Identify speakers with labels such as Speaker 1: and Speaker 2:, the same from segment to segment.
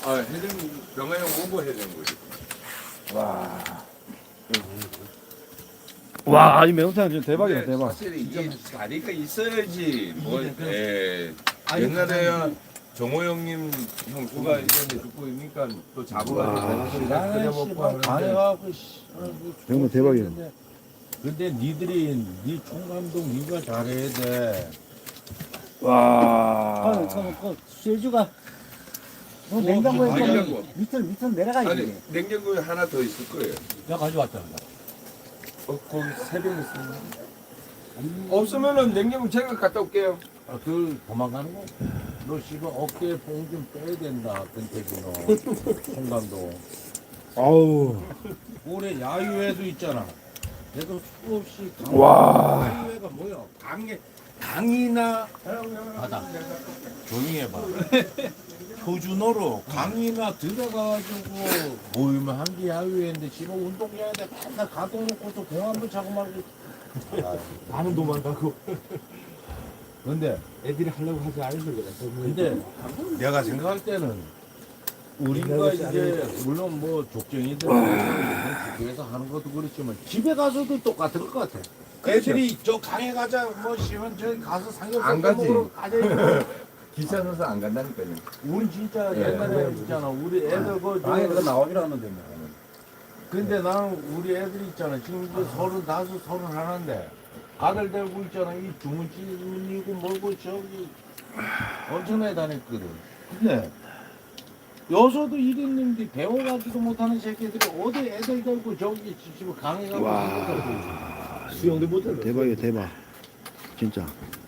Speaker 1: 해장 명화형 오버 해장물이.
Speaker 2: 와, 이 매운탕 진짜 대박이다,
Speaker 1: 근데
Speaker 2: 대박.
Speaker 1: 사실 이게 자리가 있어야지. 옛날에 정호 형님 형 누가 이제 죽고 있으니까 또 잡아가지고 끓여 먹고 하는데.
Speaker 3: 가해갖고
Speaker 2: 정말 대박이야.
Speaker 3: 근데 니들이 니 총감독 니가 잘해야 돼.
Speaker 2: 와.
Speaker 4: 실주가 냉장고에
Speaker 1: 냉장고.
Speaker 4: 밑으로 내려가
Speaker 1: 아니
Speaker 4: 있네.
Speaker 1: 냉장고에 하나 더 있을 거예요.
Speaker 3: 내가 가져왔잖아.
Speaker 1: 거기 세병 있습니다. 없으면은 냉장고 제가 갔다 올게요.
Speaker 3: 그 도망가는 거? 너 씨발 어깨에 뽕 좀 빼야 된다. 근태기 너. 총감독.
Speaker 2: 아우.
Speaker 3: 올해 야유회도 있잖아. 내가 수없이
Speaker 2: 와.
Speaker 3: 야유회가 뭐야? 강이나 바다. 조용히 해봐. 표준어로 강이나 들어가가지고 모이면 한 게 야유회인데 지금 운동해야 돼. 맨날 가동 놓고서 공 한번 차고 말고.
Speaker 5: 나는 도망가고
Speaker 3: 근데
Speaker 5: 애들이 하려고 하지 않아서 그래.
Speaker 3: 근데 내가 생각할 때는 우리가 이제 물론 뭐 족정이들 학교에서 하는 것도 그렇지만 집에 가서도 똑같을 것 같아. 애들이 저 강에 가자 뭐 시원 저기 가서
Speaker 1: 안
Speaker 3: 삼겹살
Speaker 1: 가지.
Speaker 3: 먹으러 가자 이거.
Speaker 1: 귀찮아서 안 간다니까요.
Speaker 3: 우리 진짜 옛날에 있잖아. 우리 애들
Speaker 4: 아예
Speaker 3: 그
Speaker 4: 내가 나오질 않는데 뭐.
Speaker 3: 근데 나는 우리 애들 있잖아. 지금 그 35, 31인데 아들 데리고 있잖아. 이 주문집이고 뭐고 저기 엄청나게 다녔거든. 근데 여서도 이랬는데 배워가지도 못하는 새끼들이 어디 애들 데리고 저기 집에 강에 가고
Speaker 2: 와.
Speaker 5: 수영도 못해.
Speaker 2: 대박이야, 대박. 진짜.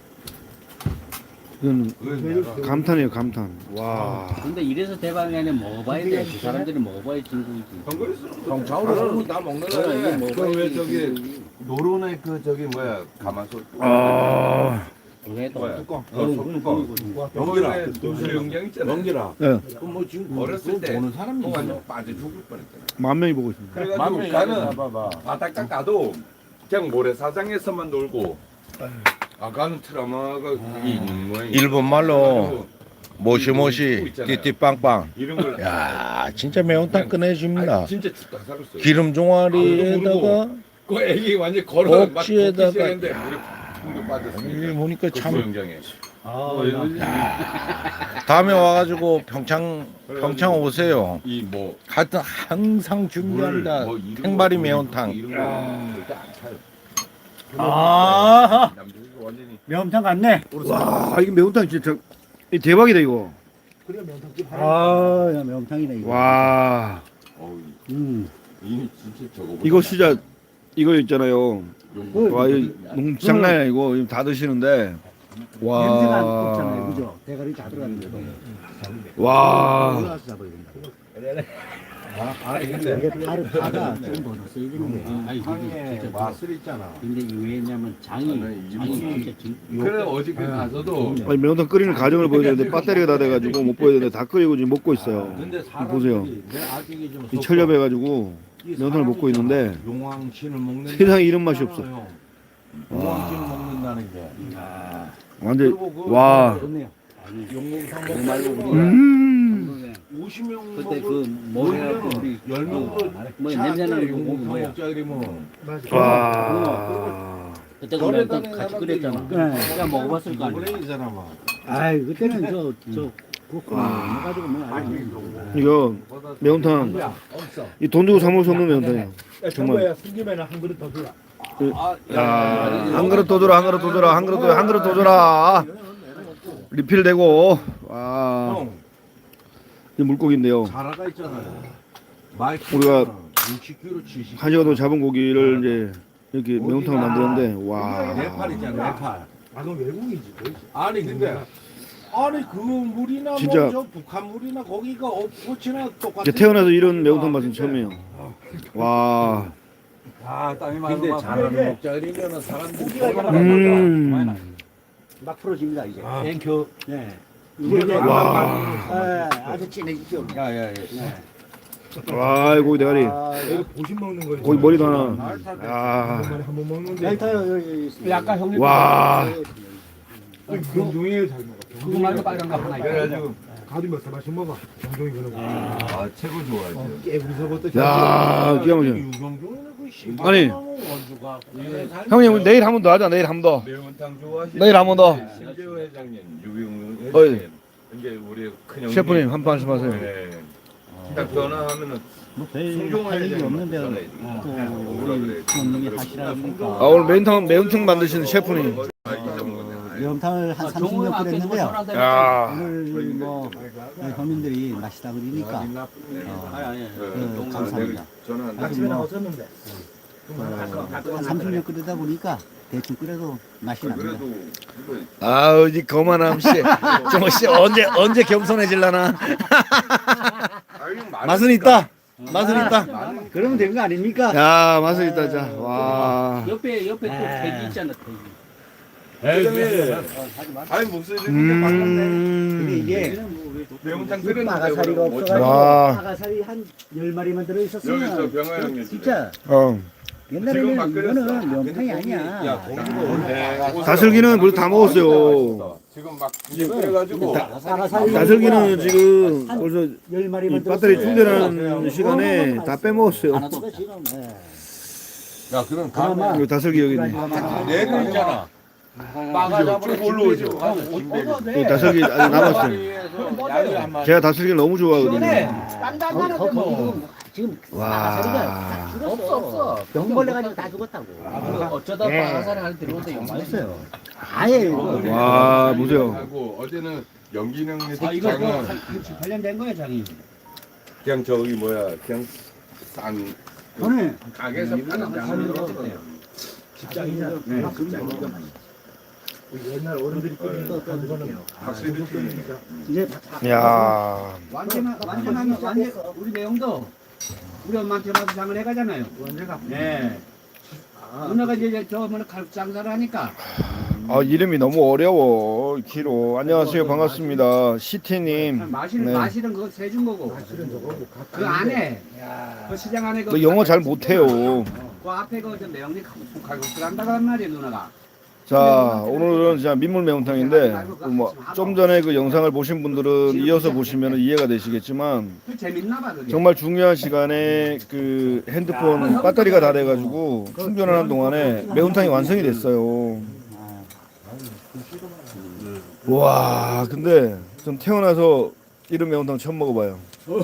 Speaker 2: 이건
Speaker 1: 그건
Speaker 2: 감탄이에요, 감탄. 와.
Speaker 4: 근데 이래서 대박이 아니라 먹어봐야 돼. 그 사람들이 먹어봐야 진국이지.
Speaker 1: 형
Speaker 3: 자우로 나 먹는
Speaker 4: 그래, 이거
Speaker 3: 거야.
Speaker 4: 먹어봐야
Speaker 1: 왜 저기 노론의 그 저기 뭐야 가마솥.
Speaker 2: 아.
Speaker 4: 그래도
Speaker 1: 뭐야?
Speaker 3: 뚜껑.
Speaker 1: 뚜껑. 여기에 수영장 있잖아.
Speaker 3: 넘기라.
Speaker 2: 네.
Speaker 3: 그뭐 지금
Speaker 1: 어렸을 때
Speaker 3: 보는 사람이
Speaker 1: 형
Speaker 3: 있어.
Speaker 1: 완전 빠져 죽을 뻔했잖아.
Speaker 2: 만 명이 보고 있습니다.
Speaker 1: 그래가지고
Speaker 3: 맘에
Speaker 1: 가는
Speaker 3: 봐봐.
Speaker 1: 바닥 가도 그냥 모래사장에서만 놀고. 가는 트라우마가 그게 있는 모양이야.
Speaker 6: 일본 말로 모시모시
Speaker 1: 그거 있잖아요.
Speaker 6: 띠띠빵빵.
Speaker 1: 이런 걸.
Speaker 6: 야 진짜 매운탕 끝내줍니다.
Speaker 1: 아니, 진짜 죽다 살았어요.
Speaker 6: 기름 종아리에다가
Speaker 1: 그 애기 완전 걸어 막
Speaker 6: 억지에다가-
Speaker 1: 걷기 시작했는데 물에 붕붕
Speaker 6: 이
Speaker 1: 빠졌으니까.
Speaker 6: 보니까
Speaker 1: 그
Speaker 6: 참
Speaker 1: 수영장에.
Speaker 6: 다음에 와가지고 평창 오세요.
Speaker 1: 이뭐
Speaker 6: 하여튼 항상 준비한다. 행발이 매운탕.
Speaker 1: 이런 거 절대 안 타요.
Speaker 4: 아,
Speaker 1: 남들이 완전히
Speaker 4: 명탕 같네.
Speaker 2: 와, 이게 매운탕 진짜 이 대박이다, 이거.
Speaker 5: 그래 명탕집
Speaker 4: 아, 야, 명탕이네 이거.
Speaker 2: 와.
Speaker 1: 어우
Speaker 4: 음.
Speaker 1: 이 진짜 저거.
Speaker 2: 이거 진짜 이거 있잖아요.
Speaker 1: 용거.
Speaker 2: 와, 이거 너무 장난이 아니고 이거 다 드시는데.
Speaker 4: 냄새가 안 없잖아요,
Speaker 2: 와.
Speaker 4: 그죠? 대가리 다 들어갔는데.
Speaker 2: 와.
Speaker 4: 올라가서 잡아야 된다.
Speaker 3: 근데
Speaker 4: 이게 파가 조금 더 넣었어 이거는. 아니
Speaker 3: 향에
Speaker 4: 진짜
Speaker 3: 맛을 있잖아.
Speaker 4: 근데 이 왜냐면 장이 진짜
Speaker 1: 그래 어저께 가서도
Speaker 2: 아니, 매운탕 끓이는 과정을 보여주는데 배터리가 다 돼가지고 못 보여주는데 다 끓이고 지금 먹고 있어요.
Speaker 3: 근데
Speaker 2: 보세요.
Speaker 3: 사람들이 내 아직이 좀
Speaker 2: 이 철렵해가지고 매운탕을 먹고 있는데
Speaker 3: 용왕신을 먹는
Speaker 2: 세상에 이런 맛이 없어.
Speaker 3: 용왕신을 먹는다는 게.
Speaker 2: 완전
Speaker 3: 그리고 그
Speaker 2: 와.
Speaker 4: 좋네요.
Speaker 3: 용궁상
Speaker 4: 그 말고
Speaker 3: 먹고
Speaker 4: 우리가
Speaker 3: 50명
Speaker 4: 그때
Speaker 3: 먹을
Speaker 4: 그 뭐해갖고 우리
Speaker 3: 10명도
Speaker 4: 뭐 냄새나는 거
Speaker 3: 용궁상
Speaker 4: 뭐야?
Speaker 3: 먹자 그러면
Speaker 2: 와.
Speaker 4: 그때 그 명탕 같이 끓였잖아. 내가 먹어봤을 거 아니야.
Speaker 3: 그래 이 사람아.
Speaker 4: 아이 그때는 저 그거 해가지고 뭐 아니.
Speaker 2: 이거 매운탕 이 돈 주고 사 먹을 수 없는 매운탕이에요. 정말.
Speaker 5: 정말 숨기면 한 그릇 더 주라.
Speaker 2: 야, 한 그릇 더 줘라, 한 그릇 더 줘라, 한 그릇 더 줘라. 리필되고. 와.
Speaker 3: 형
Speaker 2: 이 물고기인데요.
Speaker 3: 자라가 있잖아요. 마이크
Speaker 2: 우리가
Speaker 3: 60kg 70kg.
Speaker 2: 한 시간 동안 잡은 고기를 이제 이렇게 매운탕을 만드는데 와.
Speaker 3: 네팔 있잖아 네팔.
Speaker 5: 그건 외국이지.
Speaker 3: 아니 근데 그 물이나
Speaker 2: 진짜.
Speaker 3: 뭐 저 북한 물이나 거기가 없고치나 똑같아.
Speaker 2: 이제 태어나서 이런 매운탕 맛은 처음이에요. 와.
Speaker 4: 땀이
Speaker 3: 근데 잘하는 먹자 그러면은 사람들이
Speaker 4: 막 풀어집니다 이제.
Speaker 3: 땡큐.
Speaker 4: 네.
Speaker 2: 와.
Speaker 4: 아주 진해지죠.
Speaker 3: 야야야.
Speaker 2: 와, 고기 대가리.
Speaker 5: 이거 보신 먹는 거.
Speaker 2: 고기 머리도 하나. 야.
Speaker 5: 한번 먹는데.
Speaker 4: 여기 타요 여기.
Speaker 5: 약간 형님.
Speaker 2: 와.
Speaker 5: 금중에 잘 먹어.
Speaker 4: 그거 말고 빨간 거 하나 있어.
Speaker 1: 그래가지고
Speaker 5: 다도 몇 살씩 먹어. 정종이 그러고.
Speaker 1: 아 최고 좋아하죠.
Speaker 5: 깨구리서부터.
Speaker 2: 야, 기가 막혀.
Speaker 3: 유경종은 그
Speaker 2: 아니.
Speaker 3: 원주가
Speaker 2: 형님 우리 내일 한 번 더 하자. 내일 한 번 더.
Speaker 1: 매운탕 좋아하시는
Speaker 2: 내일 한번 더.
Speaker 1: 신재호 회장님, 유병
Speaker 2: 어이.
Speaker 1: 회장님, 이제 우리 큰형
Speaker 2: 셰프님 한 말씀하세요.
Speaker 1: 네. 딱 전화하면은
Speaker 4: 뭐별
Speaker 1: 송종호
Speaker 4: 할 일이
Speaker 1: 회장님
Speaker 4: 없는데
Speaker 1: 전화해.
Speaker 4: 또
Speaker 1: 오라
Speaker 4: 우리
Speaker 1: 그래.
Speaker 4: 부모님이 하시라니까
Speaker 2: 아 오늘 매운탕 만드시는 셰프님.
Speaker 4: 매운탕을 한 30년 끓였는데요.
Speaker 2: 야.
Speaker 4: 오늘 뭐 서민들이 맛있다 그러니까 감사합니다.
Speaker 1: 전화
Speaker 4: 아주 뭐
Speaker 5: 없었는데.
Speaker 4: 한 30년 끓이다 보니까 대충 끓여도 맛이 납니다.
Speaker 1: 그래도
Speaker 2: 아우 이 거만함 씨. 저씨 언제 겸손해질라나. 맛은 있다. 맛은 있다.
Speaker 4: 그러면 되는 거 아닙니까?
Speaker 2: 야 맛은 있다 자. 와.
Speaker 7: 옆에 또 돼지 있잖아, 돼지.
Speaker 1: 아니 목소리 듣는데 반갑네.
Speaker 4: 근데 이게
Speaker 1: 매운탕
Speaker 4: 빠가사리가
Speaker 1: 끓였는데
Speaker 4: 없어가지고
Speaker 2: 와.
Speaker 4: 빠가사리 한 10마리만
Speaker 1: 여기서
Speaker 4: 들어있었으면
Speaker 1: 병아 형님
Speaker 4: 진짜
Speaker 2: 어.
Speaker 1: 지금 막
Speaker 4: 옛날에는
Speaker 1: 끓였어.
Speaker 4: 이거는 명탕이
Speaker 1: 근데
Speaker 4: 아니야.
Speaker 2: 다슬기는 물다 먹었어요.
Speaker 1: 지금 막 이제 끓여가지고
Speaker 2: 다슬기는 지금 벌써
Speaker 4: 10마리만
Speaker 2: 이 배터리 충전하는 시간에 다 빼먹었어요.
Speaker 4: 지금
Speaker 3: 야 그럼
Speaker 4: 그나마
Speaker 2: 이거 다슬기 여기 있네.
Speaker 3: 내가 있잖아. 빠가잡으로
Speaker 1: 올라오죠.
Speaker 2: 이 다슬기 아직 남았어요. 제가 다슬기를 너무 좋아하거든요.
Speaker 4: 지금
Speaker 2: 와.
Speaker 4: 빠가사리가
Speaker 7: 없어.
Speaker 4: 병벌레 가지고 다 죽었다고.
Speaker 7: 어쩌다 빠가사리 안에 들어온데
Speaker 4: 맛있어요. 아예
Speaker 2: 와 보세요.
Speaker 1: 하고 어제는 연기능
Speaker 7: 이거
Speaker 1: 장은
Speaker 7: 한 8년 된 거야, 장이.
Speaker 1: 그냥 저기 뭐야 그냥 싼
Speaker 4: 오늘
Speaker 1: 가게에서 파는 장을
Speaker 5: 직장이냐. 옛날 어른들이 끓이는 거는
Speaker 1: 확실히
Speaker 4: 이제
Speaker 2: 야.
Speaker 7: 완전하면 우리 매형도 우리 엄마한테 와서 장을 해가잖아요. 언제가? 네. 누나가 이제 저 뭐는 칼국 장사를 하니까.
Speaker 2: 아 이름이 너무 어려워. 기로. 안녕하세요 반갑습니다. 시티님.
Speaker 7: 마시는
Speaker 2: 네.
Speaker 7: 마시는 그거 세준 거고. 그 안에 그 시장 안에
Speaker 2: 너 영어 잘 못해요.
Speaker 7: 그 앞에 그 매형님 칼국수 한다고 한 말이에요, 누나가.
Speaker 2: 자 오늘은 진짜 민물 매운탕인데 좀 전에 그 영상을 보신 분들은 이어서 보시면 이해가 되시겠지만
Speaker 7: 그 재밌나 봐, 그게.
Speaker 2: 정말 중요한 시간에 그 핸드폰 배터리가 다 돼가지고 충전하는 동안에 매운탕이 완성이 됐어요. 와 근데 전 태어나서 이런 매운탕 처음 먹어봐요.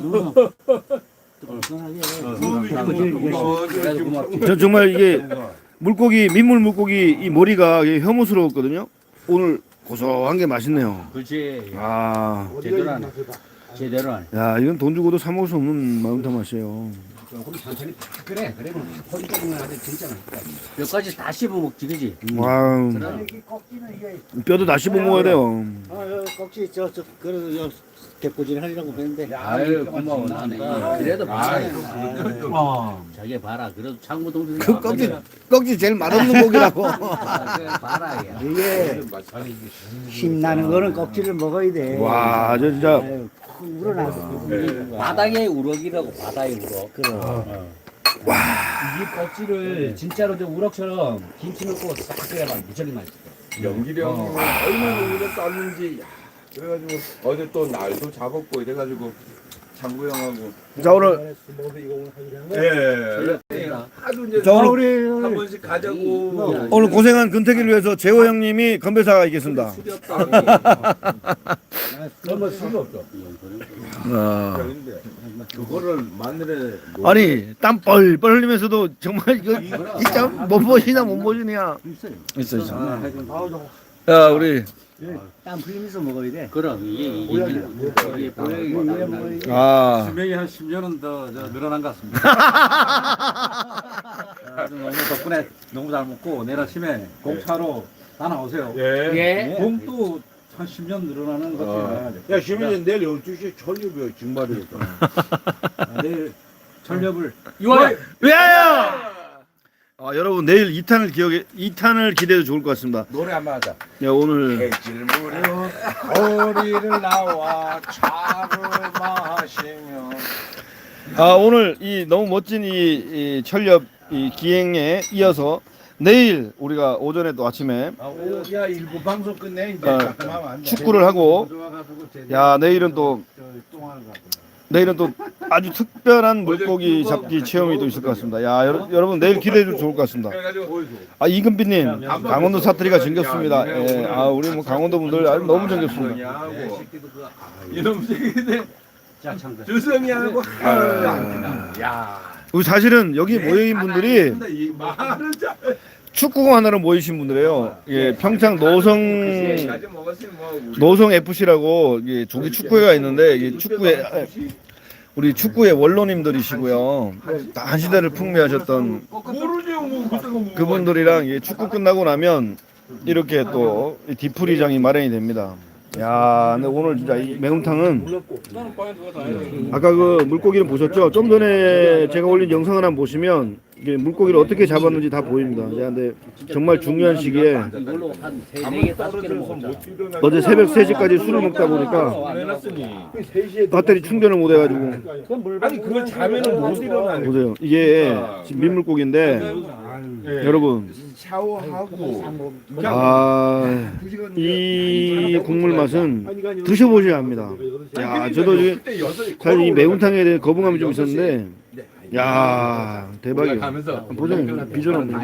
Speaker 2: 전 정말 이게 물고기 민물 물고기 이 머리가 이게 혐오스러웠거든요. 오늘 고소한 게 맛있네요.
Speaker 7: 그렇지.
Speaker 2: 아,
Speaker 7: 제대로 하네. 제대로 하네.
Speaker 2: 야 이건 돈 주고도 사 먹을 수 없는 매운탕 맛이에요.
Speaker 7: 조금 천천히 팍 그래. 그러면 허리 쪽은 아주 진짜 맛있다. 몇 가지 다 씹어 먹지, 그지?
Speaker 2: 와우, 뼈도 다 씹어 먹어야 돼요.
Speaker 4: 꺽지 그래서 대포질 하려고 그랬는데
Speaker 7: 아유, 고마워. 나는 그래도 봐라. 저게 봐라. 그래도 창구 동생.
Speaker 2: 그 꺽지 제일 맛없는 고기라고.
Speaker 7: 봐라. 야.
Speaker 4: 이게 힘나는 거는 꺽지를 먹어야 돼.
Speaker 2: 와, 저 진짜
Speaker 4: 아유, 푹 우러나서
Speaker 7: 바다의 우럭이라고, 바다의 우럭. 이 껍질을 진짜로 좀 우럭처럼 김치 넣고 싹 끓여봐. 무척이 맛있어.
Speaker 1: 연기령 얼마나 우리가 쌌는지 야, 그래가지고 어제 또 날도 잡았고 이래가지고 장구 형하고
Speaker 2: 자 오늘
Speaker 1: 하도 이제
Speaker 2: 자 오늘
Speaker 1: 한 번씩 가자고
Speaker 2: 오늘 고생한 근태기를 위해서 재호 형님이 건배사가 있겠습니다.
Speaker 1: 술이 없다.
Speaker 3: 너무 술이 없어.
Speaker 2: 아.
Speaker 3: 그거를 마늘에
Speaker 2: 아니 땀 뻘뻘 흘리면서도 정말 이거 진짜 몸보신이야 몸보신이야. 있어. 야 우리
Speaker 4: 땀 흘리면서 먹어야 돼.
Speaker 7: 그럼 이게 보약이
Speaker 2: 아
Speaker 8: 수명이 한 10년은 더 늘어난 것 같습니다. 너무 덕분에 너무 잘 먹고 내일 아침에 공차로 다 나오세요.
Speaker 7: 예.
Speaker 8: 공도 한 10년 늘어나는 것 같아요.
Speaker 3: 야 시민이 내일 12시에 철립이야 정말이야.
Speaker 8: 내일 철렵을
Speaker 7: 6월
Speaker 2: 위하여. 아 여러분 내일 2탄을 기대해도 좋을 것 같습니다.
Speaker 3: 노래 한번 하자.
Speaker 2: 네 오늘
Speaker 3: 해질 무렵 거리를 나와 차를 마시며
Speaker 2: 오늘 이 너무 멋진 이 철렵 이 기행에 이어서 내일 우리가 오전에 또 아침에
Speaker 3: 야 일부 방송 끝내 이제
Speaker 2: 어,
Speaker 3: 가끔 하면 안 돼.
Speaker 2: 축구를 하고 야 내일은 또 아주 특별한 물고기 잡기 체험이 또 있을 것 같습니다. 야 여러분 내일 기대해 주셔도 좋을 것 같습니다. 아 이금빈님 강원도 사투리가 정겹습니다. 예, 아 우리 뭐 강원도 분들 아주 너무 정겹습니다.
Speaker 1: 이놈 새끼들 주성이하고 야
Speaker 2: 우리 사실은 여기 모여있는 분들이
Speaker 1: 이 말은 참
Speaker 2: 축구공 하나로 모이신 분들이에요. 예, 평창 노성 FC라고 이게 조기 축구회가 있는데 이 축구회 우리 축구의 원로님들이시고요. 다 한 시대를 풍미하셨던
Speaker 1: 모르죠 뭐 그딴 거
Speaker 2: 그분들이랑 이 축구 끝나고 나면 이렇게 또 디프리장이 마련이 됩니다. 야, 근데 오늘 진짜 이 매운탕은 아까 그 물고기를 보셨죠? 좀 전에 제가 올린 영상 하나 보시면 이게 물고기를 어떻게 잡았는지 다 보입니다. 야, 근데 정말 중요한 시기에
Speaker 7: 이걸로 한 4개, 5개를 먹었잖아.
Speaker 2: 어제 새벽 3시까지 술을 먹다 보니까 배터리 충전을 못 해가지고
Speaker 3: 아니 그걸 자면은 못 일어나네.
Speaker 2: 보세요. 이게 지금 민물고기인데 여러분
Speaker 3: 샤워하고
Speaker 2: 이 국물 맛은 드셔보셔야 합니다. 야, 저도 사실 이 매운탕에 대해 거부감이 좀 있었는데 야, 대박이에요. 보세요. 비주얼은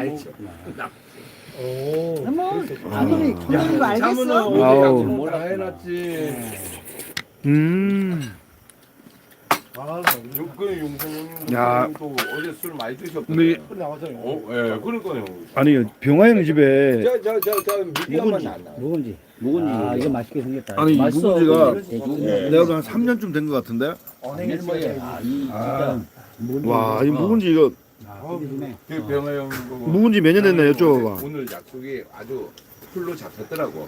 Speaker 4: 아무리 그런 거 알겠어.
Speaker 2: 아우.
Speaker 1: 뭐라 해놨지. 그 용선
Speaker 2: 야.
Speaker 1: 형님도 어제 술 많이
Speaker 2: 근데
Speaker 1: 드셨거든요. 예, 그러니까요.
Speaker 2: 아니 병화형 집에
Speaker 1: 저 미디어만 안 나.
Speaker 4: 묵은지. 아 이거 맛있게 생겼다.
Speaker 2: 아니 이
Speaker 7: 맛있어.
Speaker 2: 묵은지가 내가 한 3년쯤 된 것 같은데. 와, 이 묵은지 이거
Speaker 1: 그 병아 형
Speaker 2: 묵은지 몇 년 됐나 여쭤봐봐.
Speaker 1: 오늘 약속이 아주 풀로 잡혔더라고.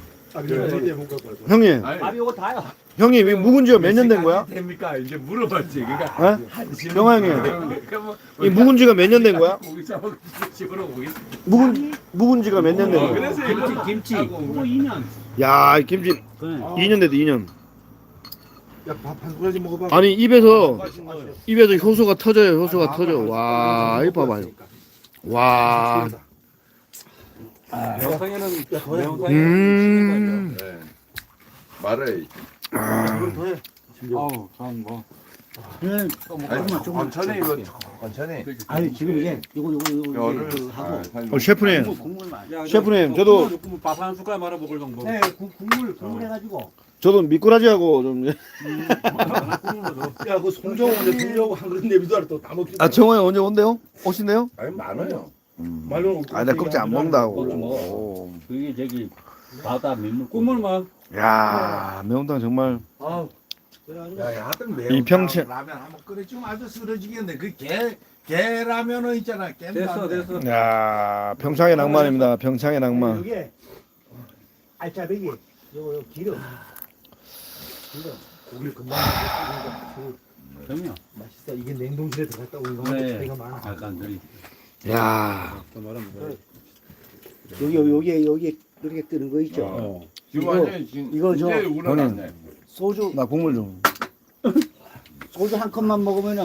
Speaker 2: 형님,
Speaker 1: 아니,
Speaker 7: 이거 다요.
Speaker 2: 형님 이 묵은지가 몇 년 된 거야?
Speaker 1: 됩니까? 이제 물어봤지. 그러니까
Speaker 2: 어? 병화 형님, 이 묵은지가 몇 년 된 거야?
Speaker 1: 고기 잡아 집으로 오겠습니다.
Speaker 2: 묵은지가 몇 년 된 거야?
Speaker 1: 그래서 이거
Speaker 7: 김치. 그거 2년.
Speaker 2: 야, 이 김치 2년 됐다 2년.
Speaker 5: 야밥한 그릇 먹어봐.
Speaker 2: 아니 입에서 효소가 터져요. 효소가 터져. 와, 이거 봐봐요. 와.
Speaker 8: 명상에는
Speaker 1: 네. 말해.
Speaker 8: 아우 참뭐
Speaker 1: 천천히 이거 천천히.
Speaker 4: 아니 지금 이게 이거
Speaker 1: 열을
Speaker 4: 하고
Speaker 2: 셰프님,
Speaker 4: 국물만.
Speaker 2: 셰프님, 저도
Speaker 8: 밥 한 숟갈 말아 먹을 정도.
Speaker 4: 네, 국물 해가지고.
Speaker 2: 저도 미꾸라지하고 좀.
Speaker 5: 야그 송정호 이제 들려고 한 그릇 내비도 또다 먹지.
Speaker 2: 아, 정호야 언제 온대요? 오신대요?
Speaker 1: 아니 많아요.
Speaker 5: 말로.
Speaker 2: 아, 나 껍질 안 먹는다고.
Speaker 7: 그게 저기 바다 민물
Speaker 8: 국물만.
Speaker 2: 야, 매운탕 정말.
Speaker 3: 야, 하여튼 매운
Speaker 2: 이 평채-
Speaker 3: 라면 한번 끓여주면 아주 쓰러지겠네. 그 게 라면은 있잖아.
Speaker 8: 됐어 됐어.
Speaker 2: 야, 평창의 낭만입니다. 평창의 낭만.
Speaker 5: 이게 알짜배기 요거 기름. 고기를 금방
Speaker 7: 그럼요.
Speaker 5: 맛있어. 이게 냉동실에 들어갔다 온 거하고
Speaker 7: 네.
Speaker 5: 차이가 많아.
Speaker 7: 약간 저기
Speaker 2: 야,
Speaker 4: 여기 이렇게 뜨는 거 있죠.
Speaker 1: 지금
Speaker 4: 이거-
Speaker 1: 완전히 지금
Speaker 4: 이거 저-
Speaker 1: 이제 우러났네.
Speaker 4: 소주
Speaker 2: 나 국물 좀.
Speaker 4: 한 컵만 먹으면은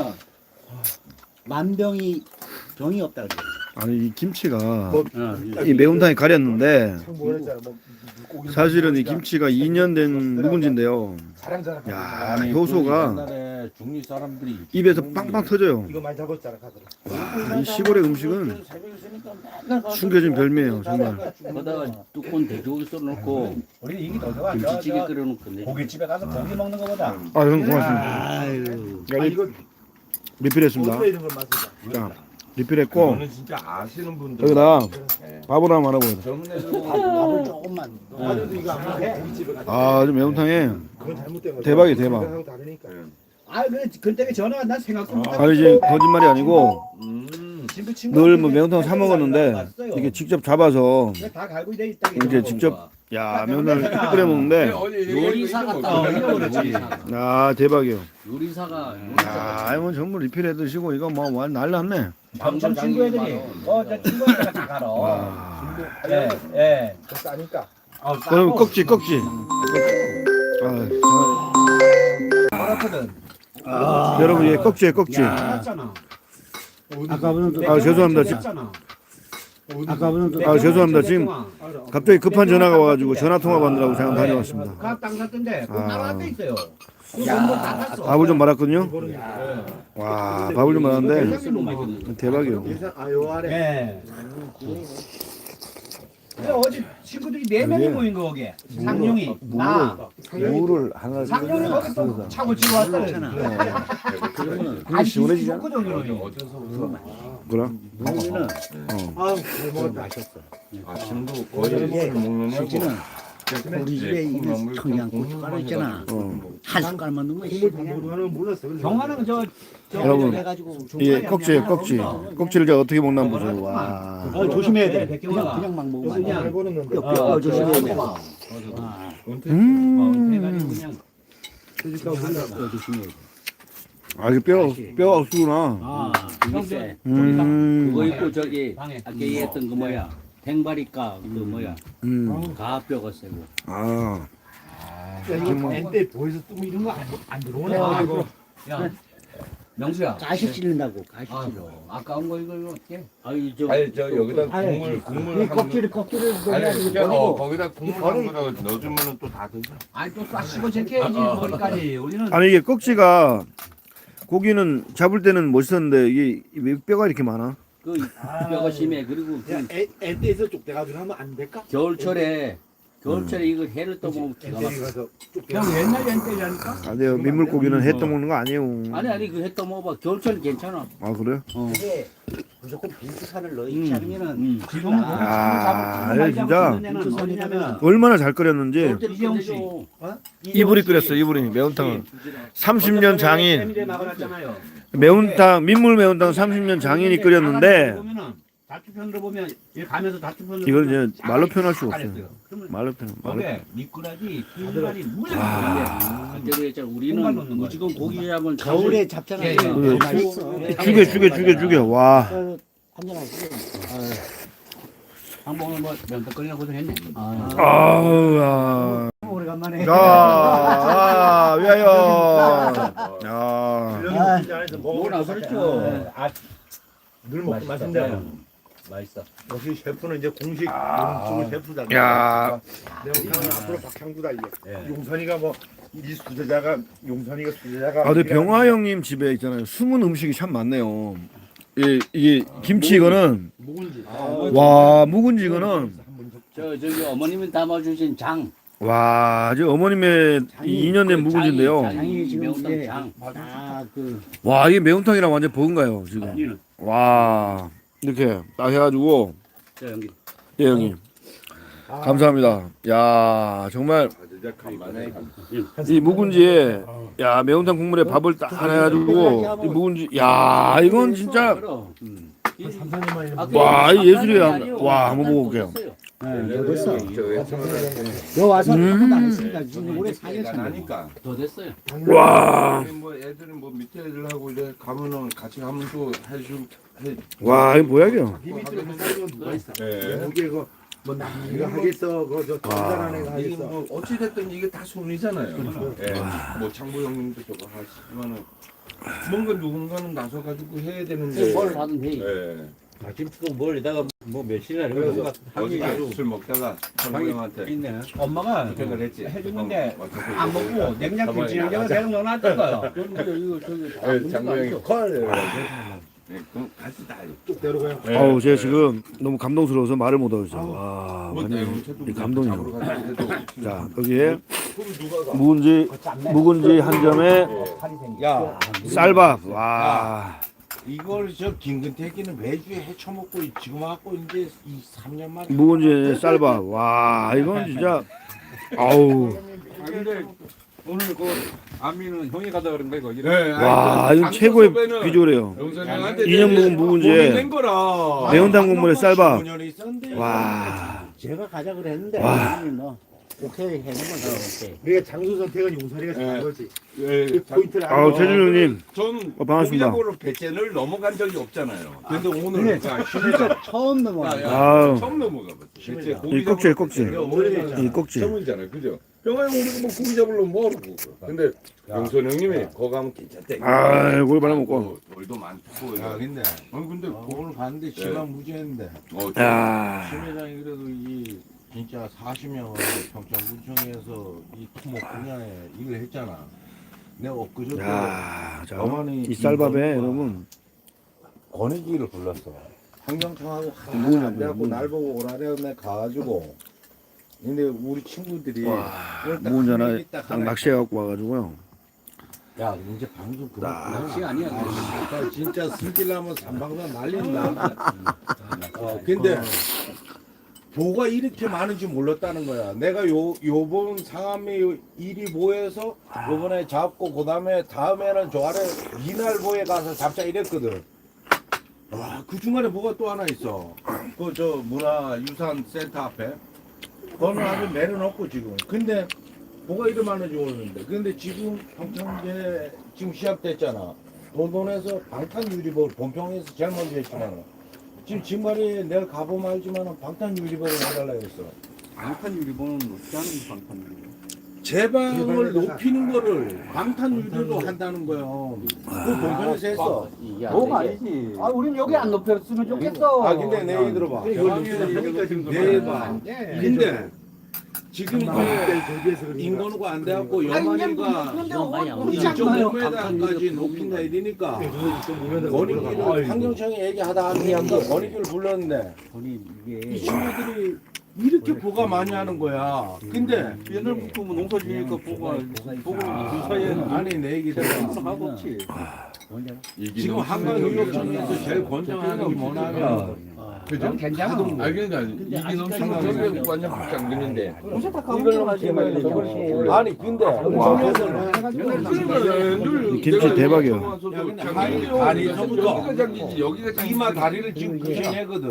Speaker 4: 만병이 병이 없다 그래.
Speaker 2: 아니 이 김치가
Speaker 7: 어,
Speaker 2: 이 매운탕에 가렸는데
Speaker 5: 뭐랬잖아. 뭐 물고기.
Speaker 2: 사실은 이 김치가 2년 된 묵은지인데요.
Speaker 5: 사랑자랑.
Speaker 2: 야, 효소가
Speaker 3: 옛날에 중리 사람들이
Speaker 2: 입에서 빵빵 터져요.
Speaker 5: 이거 많이 잡았잖아 가더라.
Speaker 2: 와, 이 시골의 음식은 숨겨진 별미예요, 정말.
Speaker 7: 거다가 뚜껑 돼지고기 썰어놓고
Speaker 4: 우리 이게 더 좋아.
Speaker 7: 김치찌개 끓여놓고 내
Speaker 4: 고깃집에 가서 고기 먹는 거보다.
Speaker 2: 아, 형 고맙습니다.
Speaker 4: 아유.
Speaker 2: 야,
Speaker 5: 이거
Speaker 2: 리필했습니다.
Speaker 5: 어디에 있는 걸 맛이다.
Speaker 2: 자, 리필했고
Speaker 1: 이거는 진짜 아시는 분들.
Speaker 2: 여기다 밥을 하나 말아보자.
Speaker 1: 젊은 애들
Speaker 4: 밥을 조금만.
Speaker 5: 나도 이거 안 먹어. 고깃집에 가서.
Speaker 2: 아, 좀 매운탕에
Speaker 5: 그건 잘못된 거야.
Speaker 2: 대박이야, 대박.
Speaker 5: 생각하고 다르니까.
Speaker 7: 아 그때 전화가 난 생각도 못
Speaker 2: 아니 지금 거짓말이 아니고
Speaker 7: 친구
Speaker 2: 늘 뭐 매운탕 사 먹었는데 이게 직접 잡아서
Speaker 7: 다 갈고 돼 있다.
Speaker 2: 이제 직접 야 면을 끓여 먹는데
Speaker 7: 요리사 같다. 요리사.
Speaker 2: 아 대박이요.
Speaker 7: 요리사가
Speaker 2: 야 이건 전부 리필해 드시고 이거 뭐 완 난리났네.
Speaker 7: 방청 친구 애들이 저 친구 애들 다 가러.
Speaker 2: 와.
Speaker 7: 예.
Speaker 5: 더 싸니까.
Speaker 2: 그럼 꺽지. 아, 여러분 예 꺽지에 꺽지.
Speaker 7: 맞잖아.
Speaker 4: 아까 보는
Speaker 2: 아 죄송합니다.
Speaker 4: 아까는
Speaker 2: 아 죄송합니다. 지금 갑자기 급한 전화가 와가지고 전화 통화 받느라고 잠깐 다녀왔습니다.
Speaker 7: 각 땅 샀던데 그
Speaker 2: 아.
Speaker 7: 따로 앞에 있어요. 그건다 샀어.
Speaker 2: 밥을 좀 말았거든요. 와 밥을 좀 말았는데 대박이요.
Speaker 5: 아요 아래.
Speaker 7: 예. 근데 어제 친구들이 4명이 모인 거 거기. 상룡이, 나,
Speaker 2: 물을 하나
Speaker 7: 상룡이 거기 또 차고 치고 왔어요.
Speaker 2: 그게 시원해지잖아. 그럼
Speaker 5: 아, 잘 먹었다.
Speaker 1: 아침도 거의 술 먹느냐고.
Speaker 4: 우리 집에 이 청양고춧가루 있잖아. 한 숟갈만 넣으면
Speaker 5: 하는 몰랐어.
Speaker 7: 경화는 저
Speaker 2: 여러분
Speaker 4: 해가지고
Speaker 2: 이게 꺽지예요 꺽지. 꺽지를 제가 어떻게 먹나 보세요. 와.
Speaker 4: 조심해야 돼.
Speaker 7: 백경화가
Speaker 4: 그냥 막 먹으면 안 돼.
Speaker 5: 잘 보는데.
Speaker 4: 뼈 조심해야 돼.
Speaker 7: 그냥
Speaker 4: 뼈 조심해야 돼.
Speaker 2: 아 이게 뼈가 없구나.
Speaker 8: 아, 이게
Speaker 2: 음.
Speaker 8: 그거 있고 저기
Speaker 7: 방에.
Speaker 8: 아까 얘기했던 그 뭐야 탱바리가 그 뭐야 가뼈가 세고.
Speaker 2: 아.
Speaker 5: 이거 때 보여서 뜨면 이런 거 안 들어오네.
Speaker 7: 아, 이거. 야, 명수야.
Speaker 4: 가시 찔린다고 가시
Speaker 7: 아,
Speaker 4: 찔러.
Speaker 7: 아까운 거 이거 어떻게?
Speaker 8: 아유 저
Speaker 1: 아니 저 여기다
Speaker 4: 아니,
Speaker 1: 국물
Speaker 4: 이 껍질을
Speaker 1: 아니
Speaker 4: 넣어가지고
Speaker 1: 그냥
Speaker 4: 버리고
Speaker 1: 거기다 국물 한 거다 넣어주면은 또 다 드셔.
Speaker 7: 아니 또 싸시고 제껴야지 머리까지. 우리는
Speaker 2: 아니 이게 꺽지가 고기는 잡을 때는 멋있었는데 이게 왜 뼈가 이렇게 많아?
Speaker 8: 그 뼈가 심해. 그리고 그
Speaker 5: 애때에서 쪽대가지고 하면 안 될까?
Speaker 8: 겨울철에 이거 해를 떠먹으면 기가
Speaker 5: 애때
Speaker 8: 막혀.
Speaker 5: 가서
Speaker 7: 그냥 옛날 연대라니까.
Speaker 2: 안 돼요. 민물고기는 해 떠먹는 거 아니에요.
Speaker 8: 아니 그 해 떠먹어봐. 겨울철 괜찮아.
Speaker 2: 아 그래요?
Speaker 4: 근데 무조건 빈수산을 넣지 않으면은
Speaker 7: 지금은 고기
Speaker 2: 아,
Speaker 7: 잡고
Speaker 2: 진짜.
Speaker 7: 무슨 소리냐면
Speaker 2: 얼마나 잘 끓였는지
Speaker 7: 이재용 씨.
Speaker 2: 이불이 끓였어. 이불이 매운탕을 30년 장인
Speaker 7: 세미대 막아놨잖아요.
Speaker 2: 매운탕 민물 매운탕 30년 장인이 끓였는데
Speaker 7: 다투편으로 보면 이 가면서 다투편으로
Speaker 2: 이걸
Speaker 7: 보면
Speaker 2: 이제 말로 표현할 수가
Speaker 7: 잘했어요.
Speaker 2: 없어요.
Speaker 7: 그러면
Speaker 2: 말로 표현. 말로
Speaker 7: 거기에
Speaker 2: 표현.
Speaker 7: 미꾸라지, 흰발이 무지하게
Speaker 2: 아.
Speaker 8: 그때 그랬잖아.
Speaker 7: 공간
Speaker 8: 우리는
Speaker 7: 넣는 거야.
Speaker 8: 무조건 고기 잡은
Speaker 4: 겨울에 잡잖아.
Speaker 7: 예, 예.
Speaker 4: 더 맛있어.
Speaker 2: 죽여. 와.
Speaker 4: 한잔 하시고.
Speaker 7: 한번은 뭐 면떡거리나 고생했네.
Speaker 2: 아우 야.
Speaker 4: 오래간만에.
Speaker 2: 야. 위하여. 야.
Speaker 8: 뭐나 그렇죠.
Speaker 5: 늘 먹고 마신다.
Speaker 8: 맛있어.
Speaker 5: 역시 셰프는 이제 공식 음식을 셰프다.
Speaker 2: 야.
Speaker 5: 내가 앞으로 박향구다 이게. 용선이가 뭐 이 수제자가 용선이가 수제자가.
Speaker 2: 아, 근데 병화 형님 집에 있잖아요. 숨은 음식이 참 많네요. 이게 김치 이거는
Speaker 5: 묵은지.
Speaker 2: 와 묵은지 이거는
Speaker 8: 저기 어머님이 담아주신 장.
Speaker 2: 와, 저 어머님의 2년 된 묵은지인데요.
Speaker 4: 장이 지금
Speaker 8: 매운탕
Speaker 4: 이제
Speaker 8: 장.
Speaker 4: 다그
Speaker 2: 와, 이게 매운탕이랑 완전 버금가요 지금.
Speaker 8: 아니는.
Speaker 2: 와, 이렇게 딱 해가지고
Speaker 8: 저 형님.
Speaker 2: 예 형님 감사합니다. 야 정말
Speaker 1: 진짜 간만에
Speaker 2: 이 묵은지에 야 매운탕 국물에 밥을 딱 해가지고 이 묵은지 야 이건 진짜 와, 이 예술이야. 와, 한번 먹어볼게요.
Speaker 4: 됐어.
Speaker 1: 저
Speaker 4: 너 와서 한 번도 안 했으니까 지금 올해 4년
Speaker 1: 애가
Speaker 4: 차네.
Speaker 1: 나니까.
Speaker 8: 더 됐어요.
Speaker 2: 와,
Speaker 1: 뭐 애들은 뭐 밑에 애들하고 이제 가면은 같이 가면 또 해주고 해.
Speaker 2: 와 이거 뭐야 이거?
Speaker 5: 비비들은 살고 누가 있어.
Speaker 1: 예.
Speaker 5: 여기에 그뭐 남이가 하겠어. 그저 전달한 애가
Speaker 1: 이게
Speaker 5: 하겠어.
Speaker 1: 뭐 어찌 됐든 이게 다 손이잖아요. 예. 뭐 장보 형님도 저거 하시지만은 뭔가 누군가는 나서 가지고 해야 되는데.
Speaker 8: 뭘 하든 해.
Speaker 1: 예.
Speaker 3: 아침부터 뭘 이다가 뭐 며칠이나
Speaker 1: 그래서
Speaker 3: 하기
Speaker 1: 어제
Speaker 3: 아주
Speaker 1: 술 먹다가 장보 형한테
Speaker 3: 있네.
Speaker 7: 엄마가
Speaker 1: 부탁을 했지.
Speaker 7: 해주는데
Speaker 1: 어떻게
Speaker 7: 안 먹고 냉장 김치냉장고 대충 넣어놨던 거예요.
Speaker 1: 예, 장보 형이 콜. 예, 그럼 같이 다
Speaker 5: 쭉 데려가요.
Speaker 2: 아우 제가 지금 너무 감동스러워서 말을 못 하겠어요. 와,
Speaker 1: 뭐
Speaker 2: 완전
Speaker 1: 내용체도
Speaker 2: 이 감동이에요.
Speaker 1: 잡으러 가는 데도
Speaker 2: 자 여기에
Speaker 1: 그럼 누가 가?
Speaker 2: 묵은지 한 점에
Speaker 3: 야
Speaker 2: 쌀밥. 와,
Speaker 3: 이걸 저 김근태기는 매주에 해쳐먹고 지금 와갖고 이제 이 3년 만에
Speaker 2: 묵은지 쌀밥. 와, 이건 진짜 아우.
Speaker 9: 근데 오늘 그 아미는 형이 가다 그런 거 이거.
Speaker 1: 네,
Speaker 2: 와, 이건 최고의 비주얼이에요.
Speaker 1: 영선이 형한테
Speaker 2: 2년 묵은 묵은지에
Speaker 1: 낸 거라.
Speaker 2: 매운탕 국물에 쌀밥.
Speaker 3: 15년이 있었는데
Speaker 2: 와,
Speaker 4: 제가 가자 그랬는데
Speaker 2: 와.
Speaker 4: 아니, 너 오케이 해는 거죠. 오케이.
Speaker 5: 우리가 장소 선택은 용선이가 잘한 거지.
Speaker 1: 예,
Speaker 5: 그 포인트를
Speaker 2: 아우
Speaker 5: 알고.
Speaker 2: 최준 형님
Speaker 1: 전
Speaker 2: 반갑습니다.
Speaker 1: 공약으로 배째를 넘어간 적이 없잖아요. 근데 오늘
Speaker 4: 진짜 처음 넘어가.
Speaker 2: 아우.
Speaker 1: 처음 넘어가 봤어. 배째
Speaker 2: 이 꺽지에 꺽지.
Speaker 1: 원래
Speaker 2: 이 꺽지.
Speaker 1: 처음이잖아요, 그죠?
Speaker 3: 병아형 우리가 뭐 고기 잡으려면 뭐하러
Speaker 1: 근데 용선 형님이 거기 가면 괜찮대.
Speaker 2: 고기 많이 먹고.
Speaker 1: 돌도 많고.
Speaker 3: 야 근데
Speaker 1: 근데
Speaker 3: 오늘 봤는데 지방 무지했는데
Speaker 2: 야.
Speaker 3: 심회장이 그래도 이 진짜 40명을 평창구청에서 이 토목 분야에 일을 했잖아. 내가 엊그저께
Speaker 2: 야, 자,
Speaker 3: 어머니
Speaker 2: 이 쌀밥에 여러분
Speaker 3: 권익위를 불렀어. 환경청하고 하나 안 돼갖고 날 보고 오라래 내가 가가지고 근데 우리 친구들이
Speaker 2: 무은자나 딱 낚시해갖고 와가지고요.
Speaker 3: 야 이제 방송 그만
Speaker 7: 낚시 아니야.
Speaker 3: 아, 진짜 승질나면 삼방산 날린다. 근데 보가 이렇게 많은지 몰랐다는 거야. 내가 요번 상암리 1위 보에서 요번에 잡고 그다음에 다음에는 저 아래 이날보에 가서 잡자 이랬거든. 와, 그 중간에 뭐가 또 하나 있어. 그 저 문화유산센터 앞에. 그거는 아주 매는 없고 지금. 근데 뭐가 이리 많은지 모르는데. 근데 지금 평창제 지금 시합됐잖아. 도돈에서 방탄유리볼 본평에서 제일 먼저 했지만 지금 진말이 내일 가보면 알지만 방탄유리볼을 해달라 했어.
Speaker 8: 방탄 유리본은 어떻게 하는 게 방탄 유리본?
Speaker 3: 제방을 높이는 거를 방탄유리로 한다는 거예요. 그 본평에서 했어.
Speaker 8: 뭐가 아니지.
Speaker 7: 아, 우린 여기 안 높였으면 좋겠어.
Speaker 3: 아 근데 내 얘기 들어봐. 근데 지금 그 인건우가 안 돼갖고 여만이가 1.5m까지 높인다 이러니까 권익위를 환경청이 얘기하다 하니까 권익위를 불렀는데 이 친구들이 이렇게 보가 많이 하는 거야. 근데
Speaker 8: 옛날부터 뭐 농사 지으니까 보고 그 사이에는
Speaker 3: 아니 내 얘기 들어봐.
Speaker 8: 하고 없지.
Speaker 3: 지금 한강유역청에서 제일 권장하는 게 뭐냐면
Speaker 1: 그죠?
Speaker 7: 괜찮아.
Speaker 1: 그러니까 이게 넘치는 게 완전 박장근인데.
Speaker 3: 이걸로 하시면 저걸 아니 근데
Speaker 2: 김치 대박이야.
Speaker 1: 다리서부터 여기가
Speaker 3: 이마 다리를 지금 부신해거든.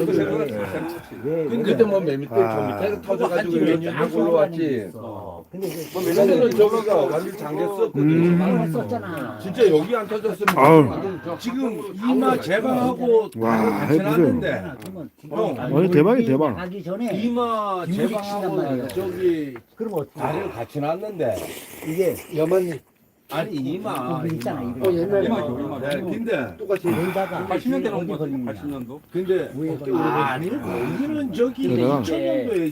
Speaker 1: 근데 뭐 맨 밑에 저 밑에 터져가지고 쫙 올라왔지.
Speaker 4: 근데
Speaker 1: 맨날은 저기가 완전 잠겼었거든.
Speaker 4: 썼잖아.
Speaker 1: 진짜 여기 안 터졌으면
Speaker 2: 아우.
Speaker 3: 지금 이마 제방하고
Speaker 2: 와,
Speaker 3: 같이 놨는데 형
Speaker 2: 완전 대박이 대박.
Speaker 4: 가기 전에
Speaker 3: 이마 제방하고 저기
Speaker 4: 그럼 어떻게
Speaker 3: 다리를 같이 놨는데
Speaker 4: 이게 여만
Speaker 3: 아니 이마
Speaker 4: 있잖아.
Speaker 3: 이마.
Speaker 8: 이마죠.
Speaker 3: 네, 근데
Speaker 4: 똑같이 여기다가
Speaker 8: 80년대 나온
Speaker 4: 어디
Speaker 8: 거
Speaker 4: 걸리냐.
Speaker 8: 80년도.
Speaker 3: 근데 아니 여기는 저기
Speaker 2: 그러다가
Speaker 3: 2000년도에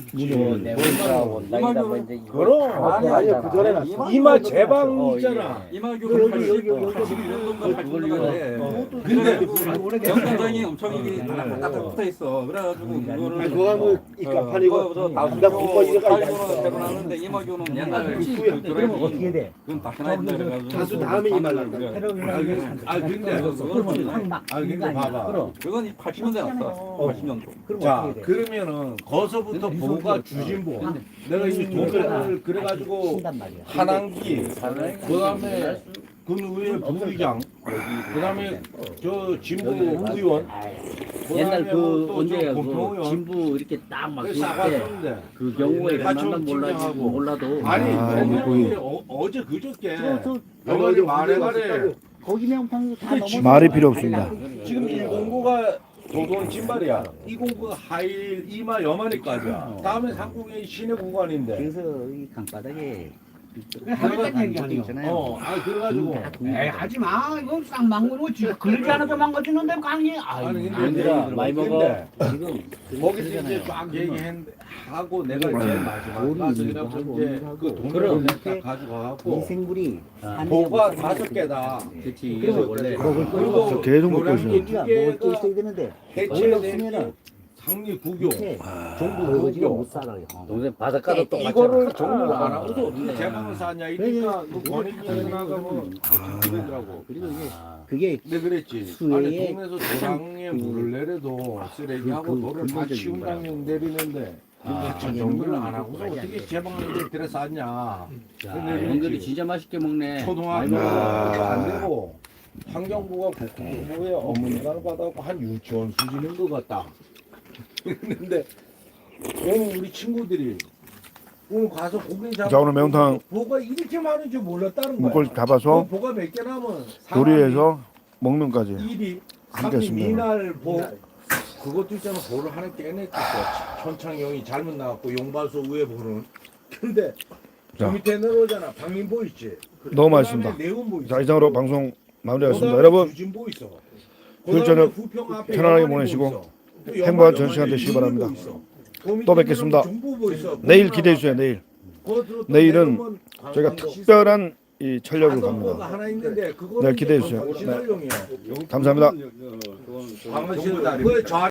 Speaker 8: 이마교는
Speaker 3: 그럼
Speaker 4: 아니야, 그 전에 났어.
Speaker 3: 이마 제방 있잖아.
Speaker 8: 이마교는
Speaker 4: 여기,
Speaker 8: 80,
Speaker 4: 여기.
Speaker 8: 81년도인가 80년도인데.
Speaker 3: 근데
Speaker 8: 영장장이 엄청 이게 딱 붙어 있어. 그래가지고 그거를
Speaker 5: 그거 뭐 입가판이고
Speaker 8: 나중에
Speaker 5: 공부하기가
Speaker 8: 대변하는데 이마교는 옛날에
Speaker 4: 그러면 어떻게 돼?
Speaker 8: 그건 다시 나야 돼.
Speaker 5: 다수 다음에 이말란다.
Speaker 3: 아 근데
Speaker 4: 그러면 확막
Speaker 3: 아 근데 봐봐.
Speaker 4: 그럼
Speaker 8: 그건 80년대 났어. 80년도.
Speaker 4: 그럼
Speaker 3: 자
Speaker 4: 어떻게 돼?
Speaker 3: 그러면은 거서부터 보가 주진보 내가 이 돈을 그래가지고
Speaker 4: 신단 말이야.
Speaker 3: 한항기 그다음에 그 위에 부의장 그다음에 저 진보 의원
Speaker 7: 옛날 그 언제야 그
Speaker 3: 공평의원
Speaker 7: 진부 이렇게 딱
Speaker 3: 그
Speaker 7: 막힐 때
Speaker 3: 싸갔었는데
Speaker 7: 그 경우에
Speaker 3: 하청
Speaker 7: 얼마나
Speaker 3: 팀장하고.
Speaker 7: 몰라도
Speaker 3: 아니
Speaker 2: 거기.
Speaker 3: 어제 그저께
Speaker 4: 저
Speaker 3: 어머니 말해가래
Speaker 4: 거기 명판도 다 넘어.
Speaker 2: 말이 필요 없습니다.
Speaker 3: 지금 109가 도돈 진발이야 209가 하일 이마 여만이까지야 다음에 상공이 시내 구간인데
Speaker 4: 그래서 이 강바닥에
Speaker 7: 하겠다는 얘기 아니에요.
Speaker 3: 아 그래가지고
Speaker 7: 에이 하지 마. 이거 싹 망고고 걸리지 않아도 망가지는데 강이.
Speaker 3: 아니
Speaker 7: 아이,
Speaker 3: 근데
Speaker 7: 많이
Speaker 3: 근데
Speaker 4: 지금
Speaker 3: 거기서 이제 막 얘기했는데 하고 내가 제일 마지막 가서 이렇게 이제 그 돈을
Speaker 4: 그럼.
Speaker 3: 다 가져가갖고
Speaker 4: 미생물이
Speaker 3: 보가 5개다
Speaker 7: 그렇지.
Speaker 3: 그리고
Speaker 7: 원래
Speaker 3: 그리고
Speaker 2: 저 계속 먹고 있어요.
Speaker 3: 노량진
Speaker 4: 우리가
Speaker 3: 두
Speaker 4: 먹을 게
Speaker 3: 개가
Speaker 4: 있어야 되는데
Speaker 3: 해체되면 상리 구교
Speaker 4: 밑에
Speaker 3: 종부
Speaker 4: 아버지가
Speaker 3: 구교
Speaker 4: 못 살아요.
Speaker 7: 동생 바닷가도 또
Speaker 3: 이거를 정리를 안 하고도 어떻게 제방을 사냐 이러니까 그 권익위원회가 뭐 그러더라고
Speaker 4: 그리고 이게 그게
Speaker 3: 근데 그랬지
Speaker 4: 수해에
Speaker 3: 아니 동네에서 도랑에 물을 내려도 쓰레기하고 돌을 다 치운다면 내리는데 근데 정리를 안 하고서 어떻게 제방을 들여 쌌냐
Speaker 7: 연결이 진짜 맛있게 먹네.
Speaker 3: 초등학교가 안 되고 환경부가 국토부에 업무를 받아갖고 한 유치원 수준인 것 같다 그랬는데 오늘 우리 친구들이 오늘 가서 고기 잡아
Speaker 2: 자, 오늘 매운탕
Speaker 3: 보가 이렇게 많은 줄 몰랐다는 거야.
Speaker 2: 물고기 잡아서
Speaker 3: 보가 몇 개 남은
Speaker 2: 조리해서 먹는 까지
Speaker 3: 1위
Speaker 2: 함께
Speaker 3: 3위
Speaker 2: 했습니다.
Speaker 3: 미날 보 그것도 있잖아 보를 하나 깨냈었어 천창용이 잘못 나왔고 용발소 위에 보는 근데
Speaker 2: 자.
Speaker 3: 그 밑에 내려오잖아. 박민보 있지.
Speaker 2: 너무 맛있습니다.
Speaker 3: 내운보 있어.
Speaker 2: 자, 이상으로 방송 마무리하겠습니다. 여러분
Speaker 3: 주진보 있어.
Speaker 2: 휴일 저녁
Speaker 3: 부평 앞에
Speaker 2: 편안하게
Speaker 3: 영화관이
Speaker 2: 보내시고
Speaker 3: 뭐 있어. 또
Speaker 2: 행복한
Speaker 3: 영화관이
Speaker 2: 전 시간 되시기
Speaker 3: 유니보
Speaker 2: 바랍니다.
Speaker 3: 있어. 그 밑에
Speaker 2: 또 뵙겠습니다.
Speaker 3: 중부보 있어.
Speaker 2: 내일 기대해 주세요. 내일
Speaker 3: 그것으로 또
Speaker 2: 내일은
Speaker 3: 내려오면
Speaker 2: 저희가
Speaker 3: 관광도
Speaker 2: 특별한 이 촬영을
Speaker 3: 가성보가
Speaker 2: 갑니다.
Speaker 3: 하나 있는데 그거는
Speaker 2: 네, 기대해 주세요.
Speaker 3: 시설용이야.
Speaker 2: 감사합니다.
Speaker 3: 그거 저